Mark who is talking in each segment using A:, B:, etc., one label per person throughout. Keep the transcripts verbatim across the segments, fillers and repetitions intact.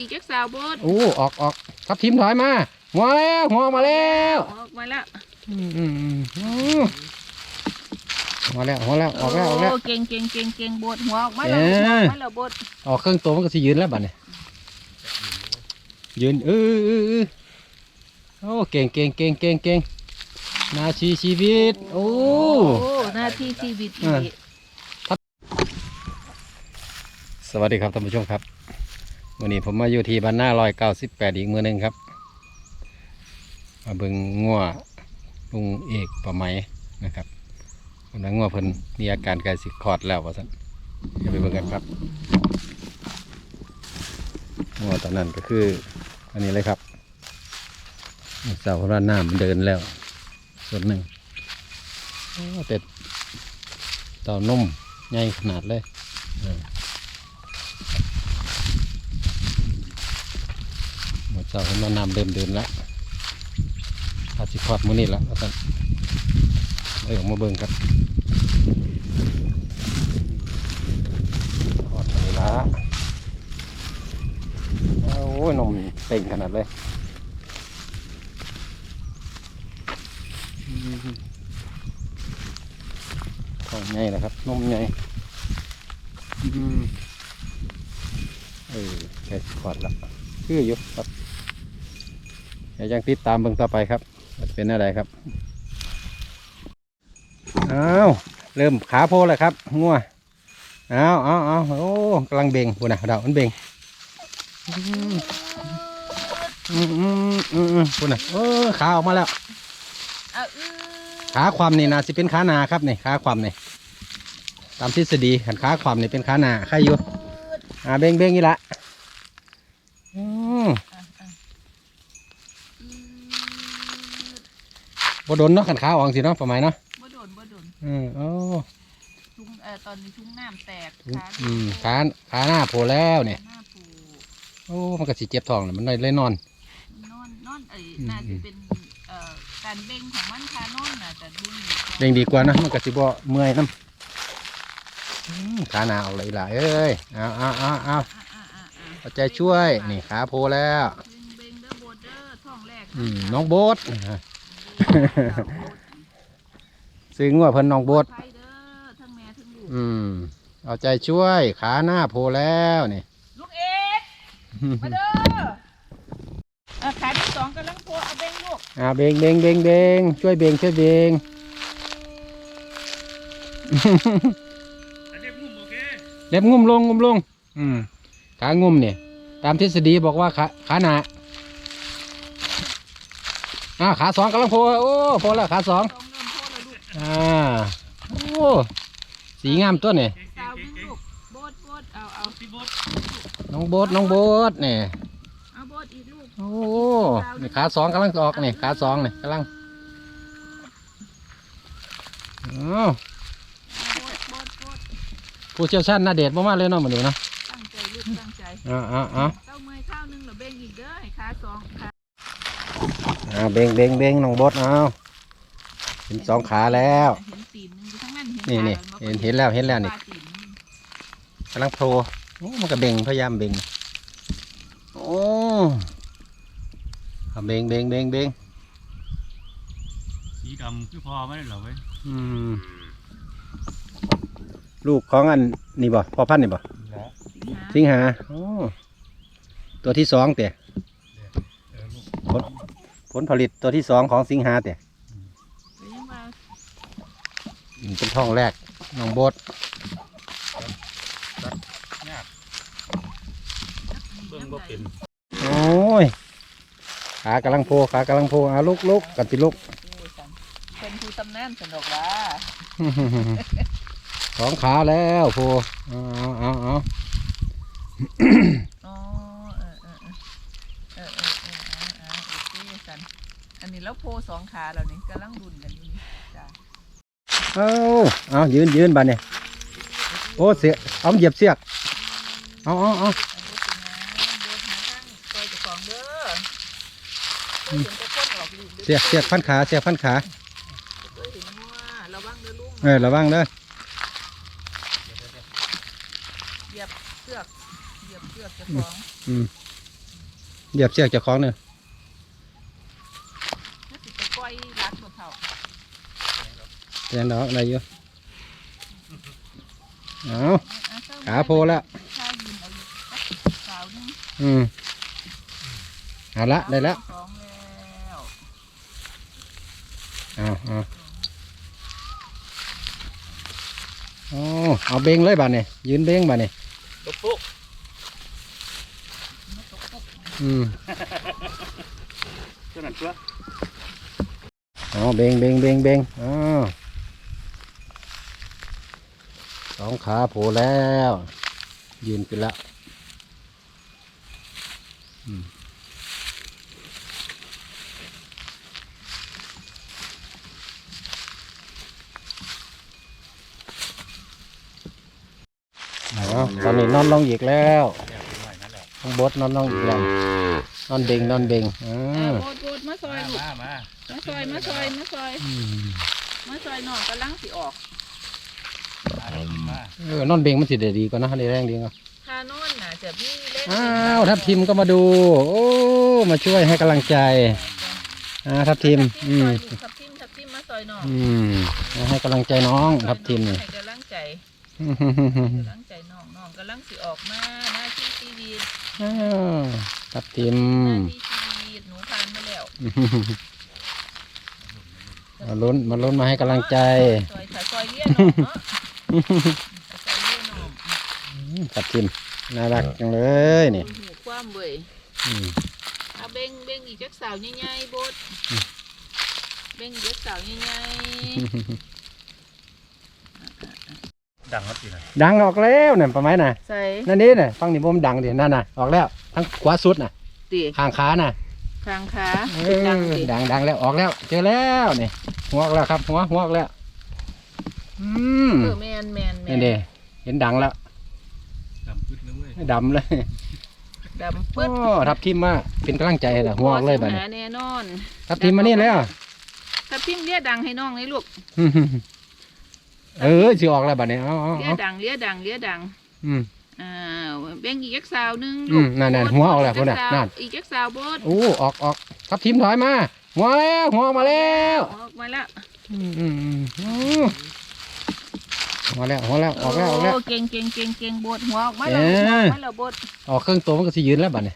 A: อีกแค่สาวบด
B: โอ้ออกออกทับทิมถอยมาหัวแล้วหัวมาแล้ว
A: ออกมาแล้ว
B: อืมอืมอืมหัวแล้วหัวแล้วออกแล้วออกแล้ว
A: เก่งเก่งเก่งเก่งบดหัวออกมาแล้วออกมาแล้วบด
B: ออกเครื่องตัวมันก็สิยืนแล้วบัดนี้ยืนเออเออเออโอ้เก่งเก่งเก่งเก่งเก่งนาทีชีวิตโอ้
A: นาทีชีวิต
B: สวัสดีครับท่านผู้ชมครับวันนี้ผมมาอยู่ที่บ้านหน้าร้อยเก้าสิบแปดอีกมือหนึ่งครับมาเบิ่งงัวลุงเอกป่าไม้นะครับคนนั้นงัวเพิ่นมีอาการใกล้สิคลอดแล้วว่าซั่นเดี๋ยวไปเบิ่งกันครับงัวตอนนั้นก็คืออันนี้เลยครับเสาพระน้ำมันเดินแล้วส่วนหนึ่งแต่เต่านุ่มใหญ่ขนาดเลยหมดเสาพระน้ำเดินเดินแล้วอาจจะคลอดมื้อนี้แล้วท่านเอ้ยออกมาเบิ่งครับคลอดไปแล้วโอ้ยนมเต่งขนาดเลยท้องใหญ่นะครับนมใหญ่เออแค่ขอดละคืออยู่ครับเดี๋ยวยังติดตามเบิ่งต่อไปครับเป็นอะไรครับอ้าวเริ่มขาโพแล้วครับงัวอ้าวอ้าวอ้าวโอ้กำลังเบ่งพูนะดาวมันเบ่งอืมอืมอืมอืมพูนะเออขาออกมาแล้วขาความนี่นะสิเป็นขาหนาครับนี่ขาความนี่ตามทฤษฎีขันขาความนี่เป็นขาหนาใครอยู่อ่าเบ่งเบ่งนี่ละอืมบ่โดนเนาะขันขาออกสิเนาะประมาณเนาะ
A: บ่โดนบ่โดน
B: อืมโอ้
A: ทุ่งเอ่อตอนนี้ทุ่งน้ำแตก
B: ขาอืมขาขาหน้าโผล่แล้วเนี่ยโอ้มันก็สิเจ็บท้องเลยมันเลยนอน
A: นอนนอนเอ้ยน่าจะเป็นเอ่อการเบ่งของมันคานอนน่ะแต่ดู
B: เบ่งดีกว่านะมันก็สิบ่เมื่อยน้ำขาหน้าออกเลยล่ะเอ้ยเอาเอาเอาเอาเอาใจช่วยนี่ขาโผล่แล้วอืมน้องโบ๊ทซื้องัวเพิ่นน้องโบ๊ทอืมเอาใจช่วยขาหน้าโผล่แล้วนี่
A: ลูกเอ็ดมาเด้อขาที่สองกำลังโผล่เอาเบ่งลูก
B: อ่าเบ่งเบ่งเบ่งเบ่งช่วยเบ่งช่วยเบ่งเล็บงุ่มลงงุ่มลงอืมขางุ่มเนี่ยตามทฤษฎีบอกว่าขาขาหนาอ่าขาสองกำลังโผล่โอ้โผล่แล้วขาสองอ่าโอ้สีงามตัวเนี่ยน้องโบ๊ทน้องโบ๊ทเนี่ยโอ้นี่ขาสองกำลังออกเนี่ยขาสองเนี่ยกำลังอ๋อผู้เชี่ยวชาญน่าเด็ดมากๆเลยเนาะเหมือนเดิมเนาะ
A: ตั้งใจลูกตั้งใจ
B: อ่าอ่าอ่า
A: เต้าเมยข้าวนึงหรือเบ่งอีกเด้อให้ขาสองขา
B: อ่าเบ่งเบ่งเบ่งน้องบดเอาเห็นสองขาแล้ว
A: เห็นตีนนึงทั้งนั้น
B: นี่นี่เห็นเห็นแล้วเห็นแล้วนี่กำลังโผล่โอ้มันก็เบ่งพยายามเบ่งโอ้เบ่งเบ่งเบ่งเบ่ง
C: สีดำคือพอไม่ได้หรอเว้ย
B: อืมลูกของอันนี่บ่พ่อพันธุ์นี่บ่สิงหาโอ้ตัวที่สองเต๋ผลผลผลิตตัวที่สองของสิงหาเต๋เป็นท้องแรกน้องโบ๊ทโอ้ยขากำลังโผล่ขากำลังโผล่เอาลุกลุกกันติลุก
A: เป็นผู้ตำนานสนุกละ
B: สองขาแล้วโผล่เอาเอาเอา
A: อ๋อเออเออเออเออเออเออเออโอเคสันอันนี้แล้วโพสองขาเราเนี่ยกำลังดุนกันอยู่นี่จ้า
B: เอาเอายืนยืนบ้านเนี่ยโอ้เสียเอาเหยียบเสียกเอาเอาเอาเสียกเสียกพันขาเสียกพันขาเออระวังเด้อ
A: เหยียบเสือกเหยียบเสือกจะฟ้อง
B: เหยียบเชือกเจ้าของเนี่ย
A: ถ้าสิไปปล่อยรัดบ่เท่า
B: เตียงดอกอะไรอยู่เอา
A: อ่ะเศร้
B: ขาโผล่แล้ว
A: ข้าวยืนเอาอยู่สาวนึง
B: อืมเอาละได้แล้ว
A: สองแล้ว
B: เอาเอาโอ้เอาเบงเลยบ้านนี่ยืนเบงบ้านนี่
C: ตุ๊กปุ๊ก
A: มาตกตก
B: อืม
C: เท่านั้นตัว
B: เอาเบงเบงเบงเบงอ้าวสองขาโผล่แล้วยืนขึ้นแล้วอืมเอาตอนนี้นอนลงอีกแล้ว
C: เดี๋ยวไปหน่อยนั่นแหละ
B: ข้างบดนอนลงอีกแล้วนอนเบงนอนเบงอ่
A: เอา
B: า
A: โบดโบดมาซอย
C: มา
A: ลูก
C: มามา
A: มาซอยมาซอยมาซอย
B: อืม
A: มาซอยน้องกำลังสิออก
C: มาได้กินมา
B: เออนอนเบงมันสิได้ดีกว่านะได้แรงดีกว่า
A: ถ้านอนน่ะจะพี่เล่น
B: อ้าวทัพทีมก็มาดู โอ้มาช่วยให้กำลังใจอ่าทัพทีมอืม
A: ทับทิมทับทิมมาซอยน้อง
B: อืมมาให้กำลังใจน้องทัพทีมนี่
A: ให้กำลังใจกำลังใจน้องน้องกำลังสิออกมาหน้าที่ชีวิต
B: อ้าวทัพทีม
A: หน้าที่ชีวิตหนูผ่านมาแล้ว
B: มาลุ้นมาลุ้นมาให้กำลังใจ
A: ซอยซอยเลี้ยน้องเนาะซอยเลี้ยน้อง
B: ทัพทีมน่ารักจังเลยนี่
A: หูความเว้ย
B: อืม
A: เอาเบ่งเบ่งอีกจักสาวใหญ่ๆบดเบ่งอีกจักสาวใหญ่
C: ดังครับจีน่ะ
B: ดังออกแล้วเนี่ยประมาณน่ะ
A: ๆใส่
B: นั่นนี่น่ะฟังนี่บ่มนดังดินั่นน่ะออกแล้วทั้งขวาสุดน่ะ
A: ตี
B: ข้างขาน่ะ
A: ทางขา
B: เอ
A: ดัง
B: อ
A: ติ
B: ดังดังแล้วออกแล้ว เจอแล้วนี่หัวออกแล้วครับหัวหัวออกแล้ว อืม
A: เออแมนแมนแม
B: นี่
A: น
B: เด้เห็นดังแล้ว
C: ดำปึ๊ดเลยเว้ย
B: ดำเลย
A: ดำ
B: โอ้
A: ปึ๊ด
B: ทับทิมมาเป็นกำลังใจให้ละหัวออกเลยบัดนี้
A: หาแน่นอน
B: ทับทิมมานี่แล้ว
A: ทับทิมเลี้ยดังให้น้องเลยลูก
B: เออสิออกแล้วบัดนี้เอาเอา
A: เลี้ย
B: เอา
A: ดังเลี้ยดังเลี้ยดัง
B: อืม
A: อ้าวเบ่งอีกจักสาวหนึง
B: อืมนั่นๆหัวออกแล้วพุ่นน่ะนั่น
A: อีกจักสาวบด
B: โอ้ออกออกทับทิมถอยมาหัวแล้วหัวออกมาแล้ว
A: ออกมาแล้ว
B: อืมอืมอืมโอ้หัวแล้วหัวแล้วออกแล้วออกแล้ว
A: โเก่งเก่งเก่งเก่งบดหัวออกมา
B: เอ๊
A: แล้ว
B: ะ
A: หัวออกมาแล้วบด
B: ออกเครื่องตัวมันก็สิยืนแล้วบัดนี้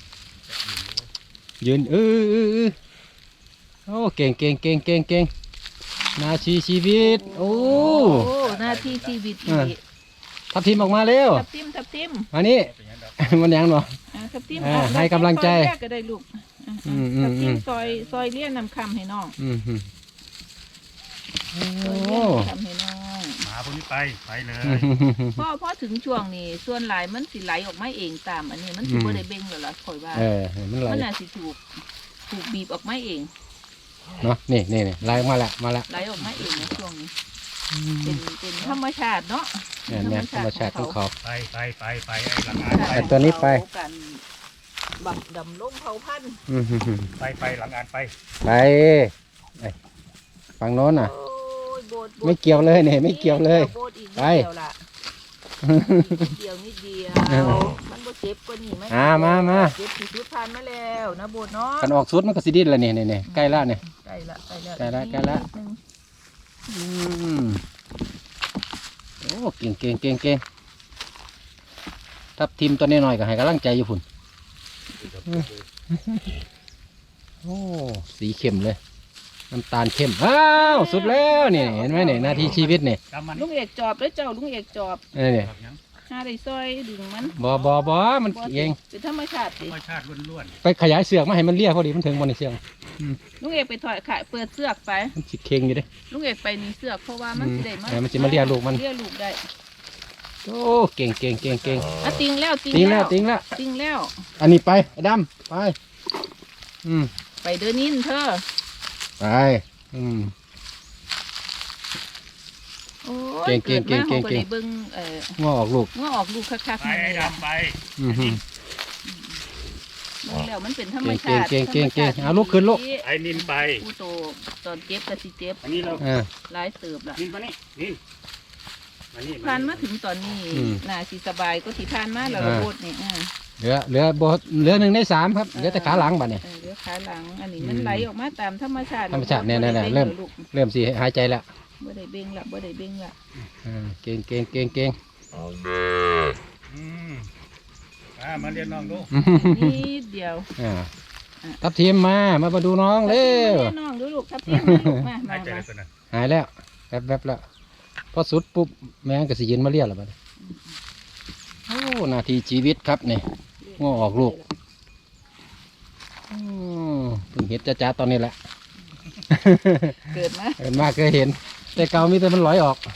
B: ยืนเออเออเออโอ้เก่งเก่งเก่งเก่งเก่งนาชีชีวิตโอ้
A: โอ้หน้าที่ชีวิต
B: อ่า ทับทิมออกมาเร็ว
A: ทับทิมทับทิม
B: มานี่
C: เป็นยังดอก
B: มันยังเนาะ
A: อ่าทับทิม
B: อ่า
A: เอา
B: ให้กำลังใจ
A: ซอยแรกก็ได้ลูกอ่า
B: อืมอืม
A: ทับทิ
B: อื
A: ม
B: ม
A: ซอยซอยเลี้ยนำคำให้น้อง
B: อืมอืมโอ้
A: ซอยเลี้ยนำคำให้น้อง
C: หมาพวกนี้ไปไปเลย
A: พอพอถึงช่วงนี้ส่วนหลายมันสิไหลออกมาเองตามอันนี้มันสิบ่ได้เบ่งแล้วล่ะข่อยว่า
B: เออมันไหล
A: มันน่าสิถูกถูกบีบออกมาเอง
B: เนาะนี่นี่นี่ไหลออกมาละมาละ
A: ไหลออกมาเองในช่วงนี้เป็นเป็นธรรมชาติเนาะ
B: เนี่ยเนี่ยธรรมชาติของเขา
C: ไปไปไปไปไอ้หลังอ่านไป
B: ไอ้ตัวนี้ไป
A: กันบักดำลงเผาพันธุ์
B: อืมอืมอืม
C: ไปไปหลังอ่านไป
B: ไปไปฝั่งโน้นน่ะ
A: โอ้ยโบดโบด
B: ไม่เกี่ยวเลยเนี่ยไม่เกี่ยวเลย
A: โบดอีกนิด
B: ไป
A: เดียวล่ะนิดเดียวนิดเดียว
B: เออ
A: มันบ่เจ็บกว่านี่ไหม
B: อ่ามามา
A: เจ็บที่สุดผ่านมาแล้วนะโบดเนาะ
B: กันออกสุดมันก็สิดิ้นแล้วนี่นี่นี่ใกล้ละเนี่ย
A: ใกล้ละใกล้ละ
B: ใกล้ละใกล้ละ
A: นิดนึง
B: อืมโอ้เก่งเก่งเก่งเก่งทับทิมตัวนี้หน่อยก็ให้กำลังใจอยู่พุ่นโอ้สีเข้มเลยน้ำตาลเข้มอ้าวสุดแล้วนี่เห็นไหมเนี่ยหน้าที่ชีวิตเนี่ย
C: กำมัน
A: ลุงเอกจอบแล้วเจ้าลุงเอกจอบ
B: นี่นี่
C: แบบยัง
A: หาได้ซอยดึงมัน
B: บอบอบอมันเอง
A: เป็นธรรมชาติ
C: ธร
A: สิ
C: รมชาติล้วน
B: ไปขยายเสือกมาให้มันเลี่ยพอดีมันถึงบนในเสือก
A: ลุงเอกไปถอยขายเปิดเสือกไป
B: มันสิเค็งอยู่เด้
A: ลุงเอกไปนี่เสือกเพราะว่ามัน
B: อืม
A: สิได้มา
B: เออมันสิมาเลี้ยลูกมัน
A: เลี้ยลูกได้
B: โอ้เก่งเก่งเก่งเก่ง
A: อ่ะติงแล้วติง
B: ติงแล้
A: แล้ว ว
B: ติงแล้ว
A: ติงแล้ว
B: อันนี้ไปไอ้ดำไปอืม
A: ไปเดินนินเธอ
B: ไปอืม
A: โอ้
B: เก่
A: ย
B: งเก่งเก่งเก่ง
A: กิดมาขาได้เบิ่งเอ่อ
B: ง้อออกลูก
A: เมื่อออกลูกคัก
C: ๆ
A: ๆ
C: ไป
A: นี่
C: ไอ้
A: แหละ
C: ดำไป
B: อืมฮึ
A: เบิ่งแล้วมันเป็นธรรม
B: เก่ง
A: ชาติ
B: เก่งเก่งเก่ง
A: ธรรมชติ
B: เอาลูกขึ้นลูก
C: ไอ้นินไป
A: ผู้โตตอนเจ็บก็สิเจ็บ
C: อันนี้เรา
B: เออ
A: หลายเติบล่ะ
C: นินมานี่นินมานี่
A: ผ่านมาถึงตอนนี้
B: อืม
A: น่าสิสบายก็ที่ผ่านมาแล้ว
B: อ่า
A: ระบบนี่อ่า
B: เเหลือเหลือบ่เหลือหนึ่งในสามครับเหลือแต่ขาหลังบัดนี้
A: เออเหลือขาหลังอันนี้มันไหลออกมาตามธรรมชาติ
B: ธรรมชาติเนี่ยๆๆเริ่ม
A: ลูก
B: เริ่มสิหายใจแล้ว
A: บ่ได้เบ่งละบ่ได้เบ่งละ
B: อ่าเก่งเก่งเก่งเก่ง
C: อืมมามาเรียนน้องดู
A: นิดเดียว
B: อ่าทับทีมมามามาดูน้องเร็ว
A: ทับทิมมาแน่น้องดูลูกทับทิมมาลูกมา
C: หาม
A: าย
C: ใจ
A: มา
C: เลยตัวนั้น
B: หายแล้วแป๊บแป๊บแล้วพอสุดปุ๊บแม่งก็สิยืนมาเรียกแล้วบัดนี้โอ้นาทีชีวิตครับนี่ง้อออกลูกอืมเพิ่งเห็นจ้าๆตอนนี้แหละ
A: เกิดมา
B: เห็นมากเคยเห็น แต่เก่ามีแต่มันลอยออก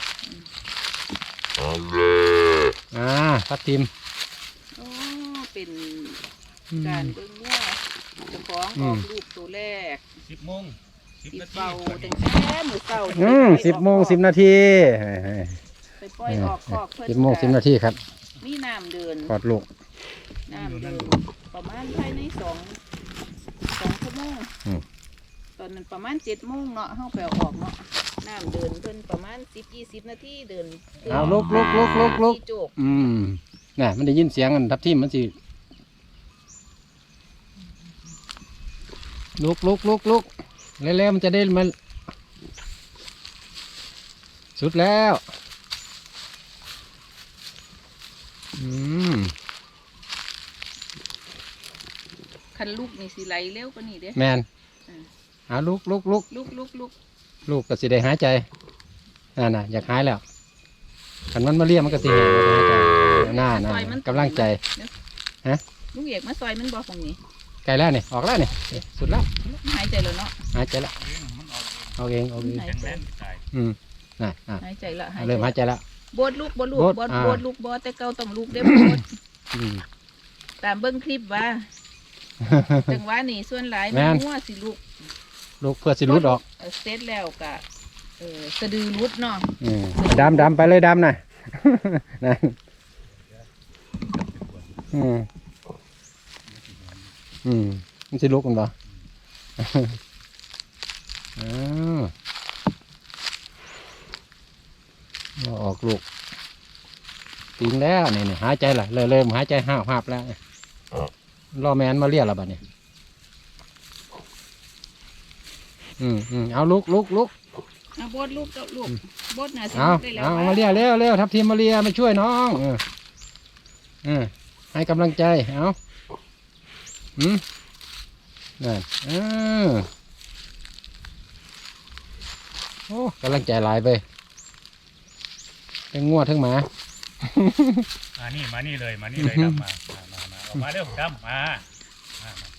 B: อ่าทับทีม
A: โอ้เป็นการเบิ่งว่าเจ้าของ
B: อื
A: ออ
B: ม
A: กลูกตัวแรก
C: สิบโมงสิบ
A: สิ
C: นาที
A: เป่าตั้งแต่มื้อเช้า
B: อืมสิบโมงสิบนาที
A: ไปปล่อยออกคอกเพิ่น
B: สิบโมงสิบนาทีครับ
A: มีน้ำเดิน
B: กอดลูก
A: น้ำเดินประมาณภายในสองสองชั่วโมง
B: อืม
A: ตอนนั้นประมาณเจ็ดโมงเนาะเฮาไปเอาออกเนาะน้ำเดินเพิ่นประมาณสิบยี่สิบนาทีเดิน
B: เอาลุกลุกลุกลุกลุก
A: ที่โจก
B: อืมน่ะมันได้ยินเสียงกันทับทิมมันสิลุกลุกลุกลุกเร็วๆมันจะได้มันสุดแล้วอืม
A: คันลูกนี่สิไหลเร็วกว่านี้เด้
B: แมน
A: อืม
B: เอาลุกลุกลุก
A: ลูกลูกลูก
B: ลูกก็สิได้หายใจน่นน่ะอยากหายแล้วขันมันมาเรียกมันก็สิแหงมันจะหายใจน่าน่ากำลังใจ
A: ลูกเอกมาซอยมันบ่ตรงนี้
B: ไกลแล้วนี่ออกแล้วนี่สุดแล้ว
A: หายใจแล้วเนาะ
B: หายใจแล้ว
C: เองมันออก
B: เอาเองเอาเอง
A: หาย
C: แข็ง
A: ใจ
C: แรงตาย
B: อืมน่ะน่ะ
A: หายใจละหาย
B: เริ่มหายใจแล้ว
A: บดลูกบดลูก
B: บด
A: บด
B: อ่า
A: บดลูกบดแต่เก่าต้องลูกเด้บด
B: อืม
A: ตามเบิ่งคลิปว่าจังหวะนี้ส่วนหลาย
B: แม่
A: มัน
B: น
A: งัวสิลูก
B: ลูกเพื่อสิรุดออก
A: เออเสร็จแล้วก็เออสะดือรุดเนาะ
B: อืมดำดำไปเลยดำน่ะ นั่นอืมอืมมันสิลุกกันบ่ อ้าวเอาออกลูกติงแล้วนี่นี่หายใจละเริ่มเริ่มหายใจห้าวหาบแล้วรอแมนมาเรียกแล้วบัดนี้อืมอืมเอาลุกลุกลุก
A: เอาบดลูกเจ้าลูกบดน่ะสิ
B: เอา
A: ลูกได้แล้ว
B: เอา
A: วะ
B: มาเรียกเร็วเร็วทับทีมมาเรียมาช่วยน้องเออเออให้กำลังใจเอาอืมนั่นเออโอ้กำลังใจหลายไปทั้งงัวทั้งหมา
C: มานี่มานี่เลยมานี่เลยดำมามามามาออกมาเร็วดำมามามา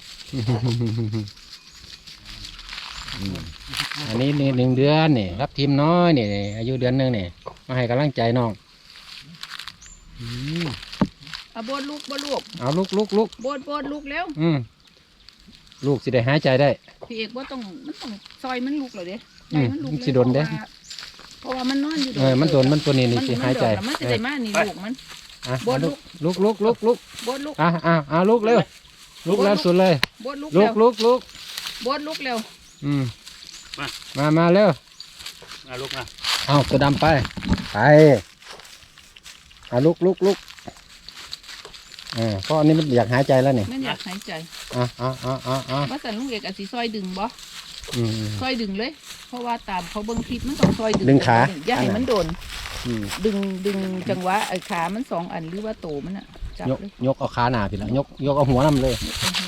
B: อันนี้นี่หนึ่งเดือนนี่รับทีมน้อยนี่นี่อายุเดือนหนึ่งนี่มาให้กำลังใจน้องอืม
A: เอาบดลูกบดลูก
B: เอาลุกลุกลุก
A: บดบดลูกแล้ว
B: อืมลูกสิได้หายใจได้
A: พี่เอกบ่ต้องมันต้องซอยมันลูกเหรอเด้
B: อืม
A: ซอยมันลูก
B: มันสิโดนเด้
A: เพราะว่าเพราะว่ามันนอนอยู่
B: เออมันโดนมันตัวนี้นี่สิหายใจ
A: มันมันจะได้มานี่ลูกมัน
B: อ่ะ
A: บดลู
B: ลุ
A: ก
B: กลุกลุกลุกลุก
A: บดลูก
B: อ่ะอ่ะอ่ะลุกเร็วลุกแล้วสุดเลย
A: บดลูก
B: ลุ
A: เร็
B: ก
A: ว
B: ลุกลุก
A: บดลูกเร็ว
B: อืมมามาเร็ว
C: มาลูกมา
B: เอาตัวดำไปไปอ่ะลุกลุกลุกเออเพราะอันนี้มันอยากหายใจแล้วนี่
A: มันอยากหายใจ
B: อ่ะอ่ะอ่ะอ่ะอ่ะ
A: ว่าแต่ลุงเอกอาจสิซอยดึงบ่
B: อืม
A: ซอยดึงเลย เพราะว่าตามเขาเบิ่งคลิปมันต้องซอยดึง
B: ดึงขา
A: อย่าให้มันโดน
B: อืม
A: ดึงดึงจังหวะไอ้ขามันสองอันหรือว่าโตมันอ่ะจับ
B: ยก
A: เลย
B: ยกเอาขาหนาพี่ละยกยกเอาหัวนำเลย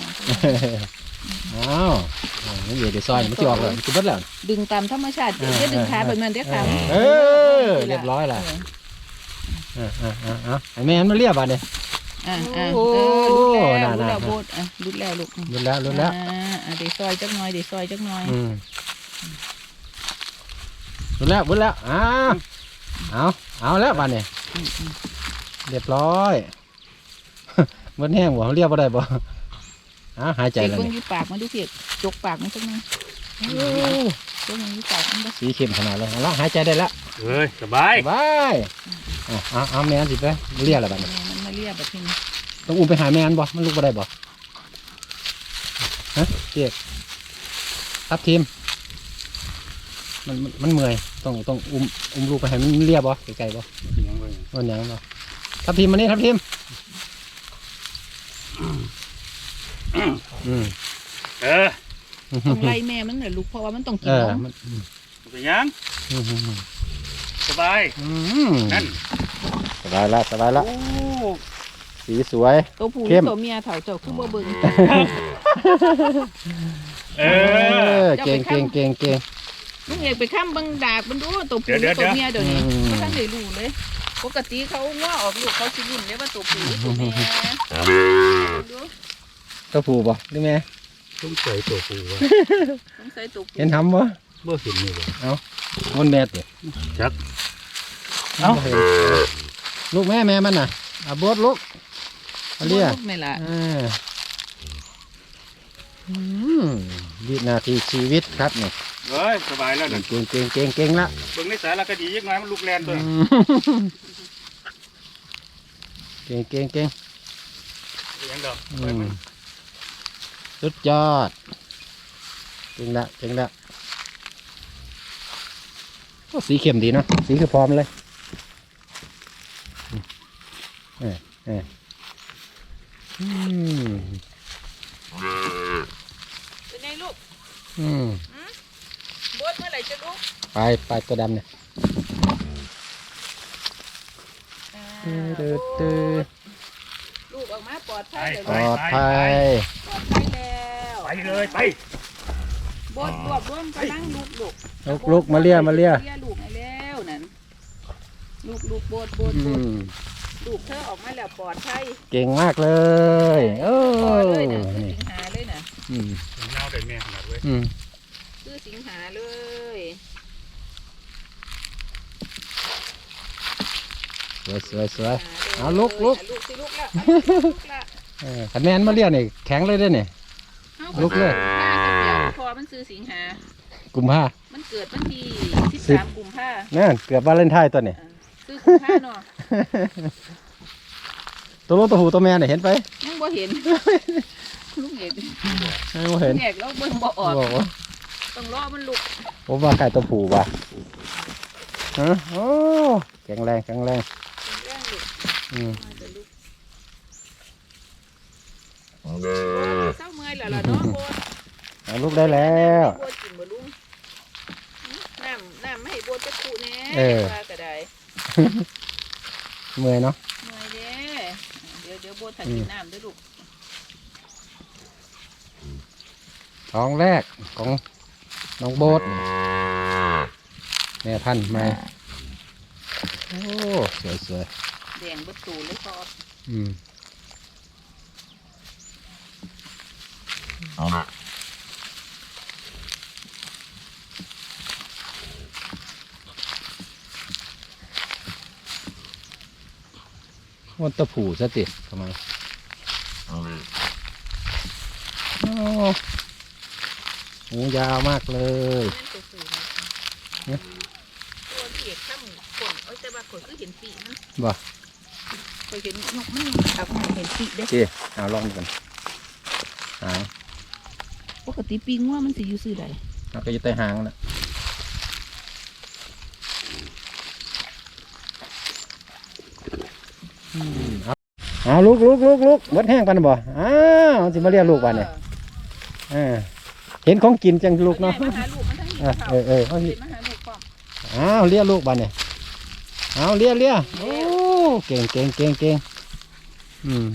B: อ้าวนี่เดี๋ยวซอยมันจะออกเลยมันจะเบิดแล้ว
A: ดึงตามธรรมชาติ
B: เออ
A: เดี๋ยวดึงขาแบบนั้นเดี๋ยวขา
B: เออเรียบร้อยละ เออเออเออเออไอ้แม่นมาเรียบอ่ะเนี่ย
A: อ่าอ่า
B: โอ้
A: เออรุดแล้ว
B: น่า
A: รุดแล้ว
B: น่า
A: โบดอ่ะรุดแล้วลูก
B: รุดแล้วรุดแล้ว
A: อ่าอ่าเดี๋ยวซอยจักหน่อยเดี๋ยวซอยจักหน่อย
B: อืมรุดแล้วรุดแล้วอ้าวเอาเอาแล้วบ้านเนี่ย
A: อืมอืม
B: เรียบร้อย มันแห้งบ่เรียบบ่ได้บ่อ่าหายใจ
A: เก็บ
B: แล้ว
A: เบิ่ง
B: นี่
A: อยู่ปากมันดูเพียกจกปากมันจักหน่อย
B: โอ้
A: จกมันอยู่ปากมันบ่
B: สีเข้มขนาดเลยเอาละหายใจได้แล้ว
C: เฮ้ยสบาย
B: บายอ่ะเอาเอาแม่นสิไปเรียกอะไรบ้าน
A: แม่มันมาเรียบแบบนี้
B: ต้องอุ้มไปหาแม่นบ่มันลุกบ่ได้บ่ฮะเจ๊ทับทีมมันมันมันเมื่อยต้องต้องอุ้มอุ้มลูกไปให้มันเรียบบ่ไกลๆบ่
C: ยังไง
B: มันหยังบ่ทับทีมมานี่ทับทีมอืม
C: เออ
A: ต้องไล่แม่มันน่ะลูกเพราะว่ามันต้องกิ
B: เอน อน
A: ม
B: มันอืม
C: เป็นยัง
B: อืมอืมอืม
C: สบาย
B: อืม
C: นั่น
B: สบายละสบายละ
C: โอ้
B: สีสวย
A: ตัวผู้ห
B: เข้
A: รือ
B: ม
A: ตัวเมียเถาเจ้าคือบ่เบิ่ง
C: เอ
B: เอ
C: อ
B: อเก่งเก่งเก่งเก่ง
A: ลุงเอกไปข้ามเบิ่งดากมันดูตัวผู้ห
C: เดี๋
A: รื
C: ย
A: อ
C: ว
A: ตัวเมียเดี๋ยวนี้
B: อืม
A: บ่ทันได้รู้เลย ปกติเขาว่าออกลูกเขาสิรุ่นเด้ว่าตัวผู้หรือตัวเมียดู
B: ตัวผูบ่หรือแม่
C: ต้องใส่ตัวปูวะ
A: สงสัยตัวผู้
B: เห็นทำบ่
C: บ่เห็นนี่เลย
B: มันแม่ติ
C: จัก
B: เอ้าลูกแม่แม่มันน่ะอาบดลูกเอาเรีย
A: ลูกแม่ล่ะ
B: อ่าอืมวินาทีชีวิตครับเนี่ย
C: เฮ้ยสบายแล้วนั่น
B: เก่งเก่งเก่งเก่งละ
C: เบิ่งในสารคดียังไงมันลูกแลนตัว
B: อืมเก่งเก่งเก่ง
C: ยังดอก
B: อืมสุดยอดเก่งละเก่งละโอ้สีเข้มดีเนาะสีคือพร้อมเลยเออเอออืม
A: เป็นไงลูก
B: อืม
A: บดเมื่อไหร่จะลูก
B: ไปไปตัวดำเนี่ย
A: อ่า
B: ตืดตืด
A: ลูกออกมาปลอดภัยเลย
B: ปลอดภัย
A: ปลอดภัยแล้ว
C: ไปเลยไป
A: บดรวบรวมกำลังลูกลูก
B: ลุกลุกมาเลียมาเลีย
A: เลียลูกให้แล้วนั่นลูกลูกบดบด
B: อื
A: บด
B: ม
A: ลูกเธอออกมาแล้วปลอดภัย
B: เก่งมากเลยโอ้
A: พอเลยนะคือ
B: นี่
A: สิงหาเลยนะ
B: อืม
C: เงาได้แม่ขนาดเว้ย
B: อืม
A: คือสิงหาเลย
B: สวยสวยสวย
A: ห
B: เอาลุกลุก
A: ลูกสิลูกละเอาลูกละ
B: เออคะแนนมาเลียนี่แข็งเลยเด้อเนี่ย
A: อา
B: ลุกเลย
A: ป้ากับเปียพอมันซื้อสิงหา
B: กุมภา
A: มันเกิดวันที่
B: สิ
A: สิ
B: บ
A: บสามกุมภา
B: นั่นเกือบวาเลนไทน์ตัวเนี่ย
A: ซื้อกุมภาเนาะ
B: ตัวลูกตัวหูตัวแม่เนี่ยเห็นไป
A: ยังบ่เห็น ลูกเอก
B: ไม่
A: ลู
B: เห็น
A: กเอกแล้วเบิ่งบ่ออก
B: บอกว่า
A: ต้องรอมันลุก
B: ผมว่าใครตัวผูว่ะฮะโอ้แข็งแรงแข็งแรง
A: แรงลุก
B: อืม
A: มาจะลุกเศร้าเมื่อยแล้วล่ะเนาะโบด
B: เอาลูกได้แล้ว
A: โบดกินบ่ลุงน้ำน้ำไม่ให้โบดจะขู่แน่
B: เออ
A: ว่าก็ได้
B: เมื่อยเนาะ
A: เมื่อยเด้เดี๋ยวเดี๋ยวโบดถักกินน้ำเด้วยลูก
B: ท้องแรกของน้องโบ๊ทแม่พันธุ์ใหม่โอ้สวยสวย
A: แดงเบดตูเลยพอ
B: อืมวันตะผูซะติทำไมโอ้หูยาวมากเลย
A: นั่นตัวสูงนะตัวเอกข้ามขนเอ้ยแต่ว่าขนก็เห็นปีมัน
B: บ่
A: เคยเห็นนกมันยังเอามาเห็นปีเด้
B: เจ๊เอาลองดูกันหาง
A: ปกติปีงัวมันสิอยู่ซื่อใด
B: เราก็อยู่ใต้หางนะอืมเอาเอาลูกลูกลูกลูกเบิดแห้งปันบ่อ้าวมันสิมาเรียกลูกปันเนี่ยอ่าเห็นของกินจังลูกเนาะ
A: มาหาลูกมันทั้งนี้
B: อ่ะ
A: เขา
B: เออเออเอา
A: เห็
B: สิ
A: นมาหาลูกพร้อม
B: อ้าวเรียกลูกปันเนี่ยเอาเรียกเรียกโอ้เก่งเก่งเก่งเก่งอืม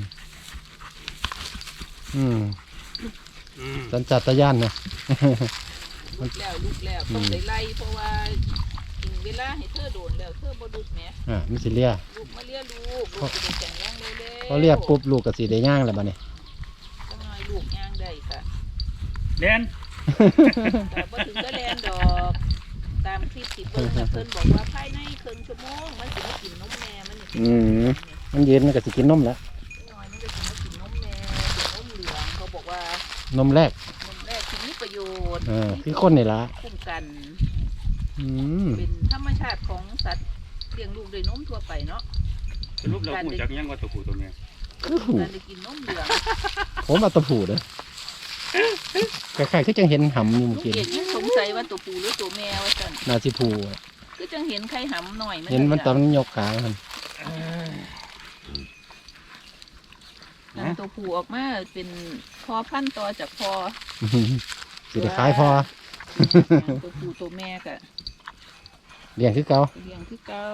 B: อืม
C: อืม
B: สัญชาตญาณนะ
A: ลูกแล้วลูกแล้วต้องได้ไล่เพราะว่าถึงเวลาให้เธอโดนแล้วเธอบ่ดุดแหม
B: อ่ามันสิเรียก
A: ลูกมาเลี้ยลูกลูกจะได้แข็งแรงเร็วๆ
B: เขาเรียกปุ๊บลูกกับสีได้ย่างแล้วบัดนี้
A: จังหน่อยลูกย่างได้ค่ะ
C: แลน
A: แต่บ่ถึงก็แลนดอกตามคลิปที่เบิ่งน่ะเพิ่นบอกว่าภายในครึ่งชั่วโมงมันสิมากินนมแม่มันนี่
B: อืมมันเย็นมันก็สิกินนมแล้ว
A: จังหน่อยมันก็สิมากินนมแม่กินนมเหลืองเขาบอกว่าน
B: มแรก
A: นมแรกที่มีประโยชน์
B: เออคือคนนี่ละ
A: คุ้มกัน
B: อืม
A: เป็นธรรมชาติของสัตว์เลี้ยงลูกด้วยนมทั่วไปเนาะ
C: สรุปเราหูจักยังว่าตัวผู้ตัวแม่
B: คือหู
A: การได้กินนมเหลือง
B: ผมเอาตะผูเด้อคล้ายๆคือจังเห็นหำอยู่
A: ลู
B: เมื่อก กี้
A: เกดยังสงสัยว่าตัวปูหรือตัวแม่ว่าซั่น
B: นาสิผู
A: คือจังเห็นไข่หำหน่อย
B: เห็นมันตอน
A: ลย
B: มันยกขามัน
C: น
A: อันตัวผู้ออกมาเป็นพอพันธุ์ต่อจากพอ
B: สิได้ขายพอ
A: ตัวผู้ตัวแม่ก็
B: เลี้ยงคือเก่า
A: เลี้ยงคือเก่า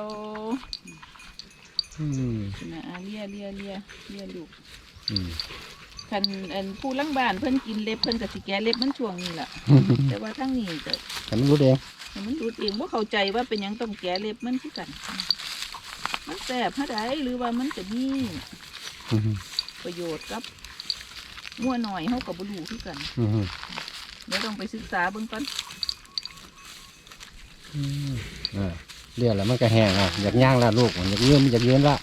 B: อืม
A: นะอ่ะเลียเลียเลียเลียลูก
B: อืม
A: คันอันผู้ลังบ้านเพิ่นกินเล็บเพิ่นก็สิแกะเล็บมันช่วงนี้ล่ะ แต่ว่าทั้งนี้ก็
B: แต่มันรู้เอง
A: ให้มันดูดเองบ่เข้าใจว่าเป็นหยังต้องแกะเล็บมันคือกัน มันแสบเท่าใดหรือว่ามันจะมี
B: อืม
A: ประโยชน์กับงัวหน่อยเฮาก็บ่รู้คือกัน
B: อืม
A: เดี๋ยวต้องไปศึกษาเบิ่งก่อน
B: อืมอ่าเลี้ยงแล้วมันก็แห้งอ่ะอยากย่างละลูกมันอยากยืนมันอยากยืนละ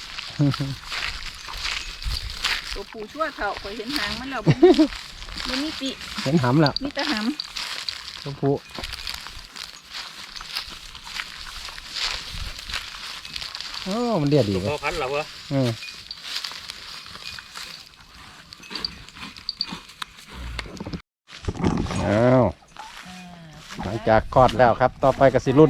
A: ตัวผู้ชั่วเฒ่าข่อยเห็นหางมันแล้วบ่บ่มีปี
B: เห็นหำแล้ว
A: มีแต่หำ
B: ตัวผู้โอ้มันเดียดดี
C: ตัว
B: เล
C: พ่อย พันธุ์เหรอวะ
B: อืมอ้าว
A: อ่า
B: หลังจากคลอดแล้วครับ ต่อไปก็สิรุ่น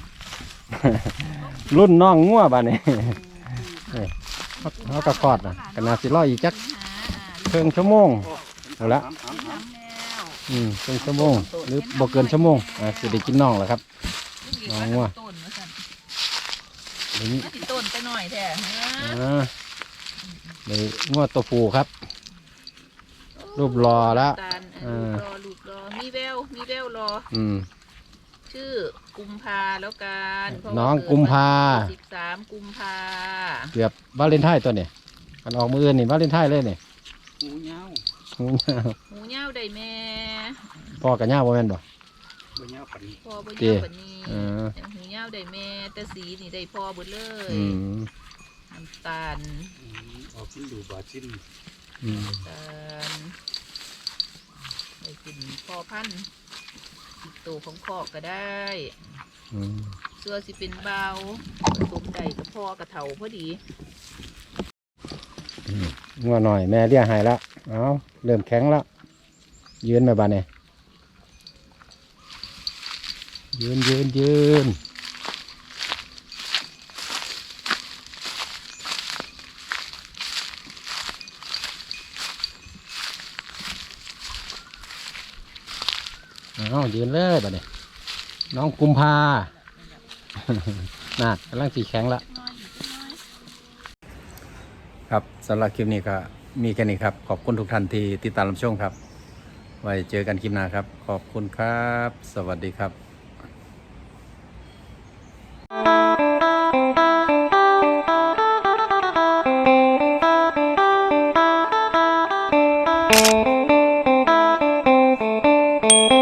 B: รุ่นน้องงัวบ้านนี้ นี่เขาเขาก็คลอดนะก็น่าสิรออีกจักครึ่งชั่วโมงเอาละ
C: หำหำห
B: อืมครึ่งชั่วโมง หรือบ่เกินชั่วโมงอ่าสิได้กินน้องแล้วครับ น้องงัว
A: ต้นว่าซั่น
B: เดี๋ยวนี้
A: มาสิต้นไปหน่อยแท้ฮะ
B: อ่าเลยงัวตัวผู้ครับ รูปรอแล้ว
A: ตาล
B: เอ
A: เอ
B: อ
A: อรอลูกรอมีแววมีแววรอ
B: อืม
A: ชื่อกุมภาแล้วกันเพระว่
B: น้องกุมภา
A: สิบสามกุมภา
B: เกือบวาเลนไทน์ตัวเนี่ยกันออกมืออื่นนี่วาเลนไทน์เลยเนี่ย
C: ำหูยาว
B: หูยาว
A: หมูเง่าได้แม่
B: พ่อกับย่าบ่แม่นบ่
C: บ่ยาวปันนี้
A: พ่อบ่
B: เตี้
A: เง่าย ปานนี้
B: เออ
A: หูเง่าได้แม่ แต่สีนี่ได้พ่อเบิดเลย
B: อืม
A: น้ำตาล
C: อืมออกชิ้นดูบาดชิ้น
B: อืม
A: ตาลได้กินพ่อพันธุ์ติดโตของพ่อก็ได้
B: อืม
A: เสื้อสิเป็นเบาผสมได้กับพ่อกับเถาพอดี
B: งัวหน่อยแม่เลี้ยงให้แล้วเอาเริ่มแข็งแล้วยืนมาบ้านเนี่ยยืนยืนยืนเอายืนเลยบ้านเนี่ยน้องกุมภา น่ากำลังสีแข็งละครับสำหรับคลิปนี้ก็มีแค่นี้ครับ ขอบคุณทุกท่านที่ติดตามรับชมครับ ไว้เจอกันคลิปหน้าครับ ขอบคุณครับ สวัสดีครับ